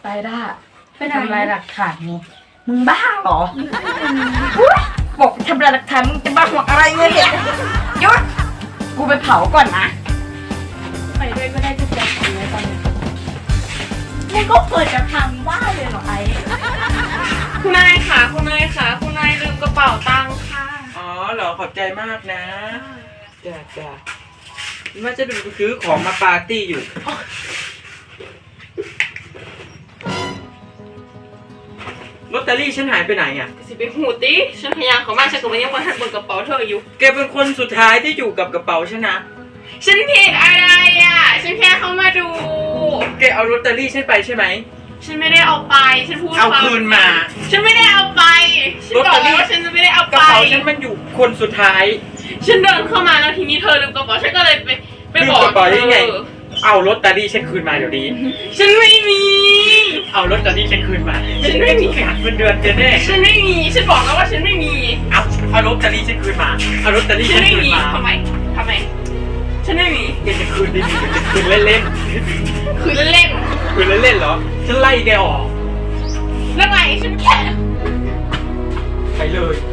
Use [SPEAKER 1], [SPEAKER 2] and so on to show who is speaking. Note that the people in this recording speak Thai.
[SPEAKER 1] ไปได้ไปทำลายหลักฐานนี่มึงบ้าเหรอบอกทำลายหลักฐานมึงจะบ้าหัวอะไรเงี้ยหยุดกูไปเผาก่อนนะไปด้วยก็ได้จะแจกอะไรตอนนี้มึงก็เปิดจะทำได้เลยเหรอไอ้
[SPEAKER 2] คุณนายค่ะคุณนายค่ะคุณนายลืมกระเป๋าตังค์ค่ะ
[SPEAKER 3] อ๋อเหรอขอบใจมากนะจ้าว่าจะไปซื้อของมาปาร์ตี้อยู่ลอตเตอรี่ฉันหายไปไหนอ่ะ
[SPEAKER 2] สิไปหูติฉันพยายามเขามากฉันก็ไม่ยังมาหันบนกระเป๋าเธออยู่
[SPEAKER 3] แกเป็นคนสุดท้ายที่อยู่กับกระเป๋าฉันนะ
[SPEAKER 2] ฉันผิดอะไรอ่ะฉันแค่เข้ามาดู
[SPEAKER 3] แกเอาลอตเตอรี่ฉันไปใช่ไหม
[SPEAKER 2] ฉันไม่ได้เอาไปฉันพูด
[SPEAKER 3] เอาคืนมา
[SPEAKER 2] ฉันไม่ได้เอาไปฉันบอกว่าฉันจะไม่ได้เอาไป
[SPEAKER 3] กระเป๋าฉันมันอยู่คนสุดท้าย
[SPEAKER 2] ฉันเดินเข้ามาแล้วทีนี้เธอลืมกระเป๋าฉันก็เลยไปบอก
[SPEAKER 3] กระเป๋าได้ไงเอาลอตเตอรี่ฉันคืนมาเดี๋ยวนี้
[SPEAKER 2] ฉันไม่มี
[SPEAKER 3] เอาลอตเตอรี่ฉันคืนมาฉันไม่มีหักเงินเดือนแน่
[SPEAKER 2] ฉันไม่มีฉันบอกแล้วว่าฉันไม่มี
[SPEAKER 3] เอาลอตเตอรี่ฉันคืนมาเอาลอตเตอรี่ฉันคืนมา
[SPEAKER 2] ทำไมฉันไม่มี
[SPEAKER 3] แกจะคืนดิคืนเล่น
[SPEAKER 2] คืนเล่น
[SPEAKER 3] เหรอฉันไล่แกออก
[SPEAKER 2] แล้วไงฉันแค่
[SPEAKER 3] ไปเลย